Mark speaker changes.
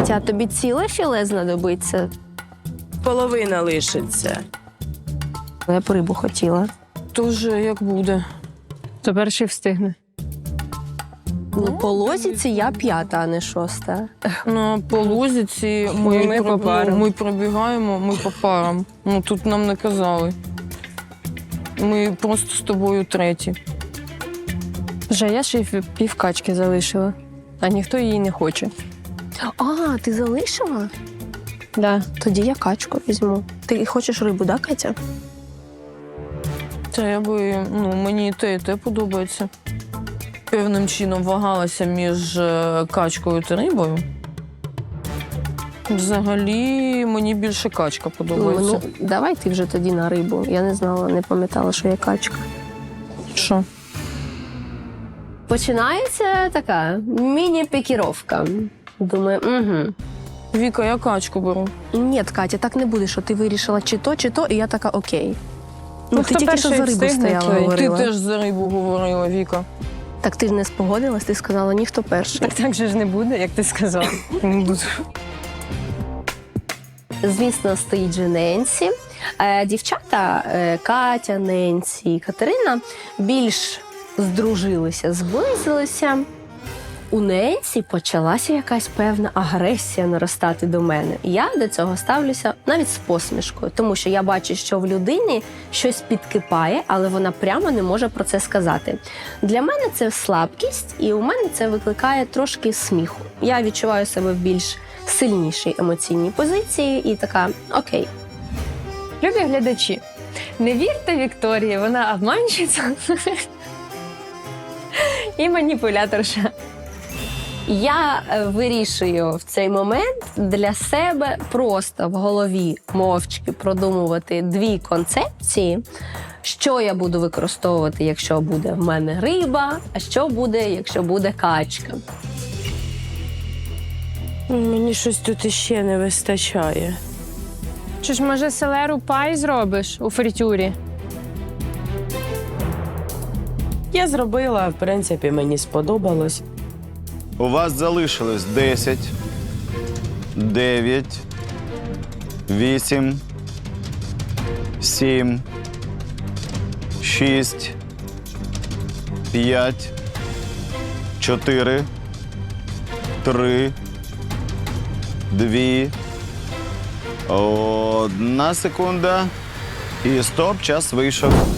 Speaker 1: Катя, а тобі ціле філе знадобиться?
Speaker 2: Половина лишиться.
Speaker 1: Я б рибу хотіла.
Speaker 3: Тоже як буде.
Speaker 4: То перший встигне.
Speaker 1: Ну, по лозіці я 5-та, а не 6-та.
Speaker 3: На полозіці
Speaker 4: Ми по парам.
Speaker 3: ми пробігаємо, ми по парам. Ну, тут нам не казали. Ми просто з тобою треті.
Speaker 4: Вже я ще й півкачки залишила, а ніхто її не хоче.
Speaker 1: А, ти залишила?
Speaker 4: Да.
Speaker 1: Тоді я качку візьму. Ти хочеш рибу, да, Катя?
Speaker 3: Та я би, мені і те подобається. Певним чином вагалася між качкою та рибою. Взагалі, мені більше качка подобається.
Speaker 1: Ну, давай ти вже тоді на рибу. Я не знала, не пам'ятала, що є качка.
Speaker 3: Що?
Speaker 1: Починається така міні-пікіровка. Думаю, угу.
Speaker 3: Віка, я качку беру.
Speaker 1: Ні, Катя, так не буде, що ти вирішила чи то, і я така окей. Ну, ти
Speaker 4: хто
Speaker 1: тільки що
Speaker 4: перший
Speaker 1: за рибу
Speaker 4: встигне,
Speaker 1: стояла,
Speaker 4: той.
Speaker 1: говорила.
Speaker 3: Ти теж за рибу говорила, Віка.
Speaker 1: Так ти ж не спогодилась, ти сказала, ніхто перший.
Speaker 4: Так же ж не буде, як ти сказав.
Speaker 3: Не буду.
Speaker 1: Звісно, стоїть же Ненсі. Дівчата Катя, Ненсі і Катерина більш здружилися, зблизилися. У Ненсі почалася якась певна агресія наростати до мене. Я до цього ставлюся навіть з посмішкою, тому що я бачу, що в людині щось підкипає, але вона прямо не може про це сказати. Для мене це слабкість, і у мене це викликає трошки сміху. Я відчуваю себе в більш сильнішій емоційній позиції і така окей.
Speaker 4: Любі глядачі, не вірте Вікторії, вона обманщиця і маніпуляторша.
Speaker 1: Я вирішую в цей момент для себе просто в голові мовчки продумувати 2 концепції, що я буду використовувати, якщо буде в мене риба, а що буде, якщо буде качка.
Speaker 2: Мені щось тут іще не вистачає.
Speaker 4: Чи ж, може, селеру пай зробиш у фритюрі?
Speaker 2: Я зробила, в принципі, мені сподобалось.
Speaker 5: У вас залишилось 10, 9, 8, 7, 6, 5, 4, 3, 2, 1 секунда. І стоп, час вийшов.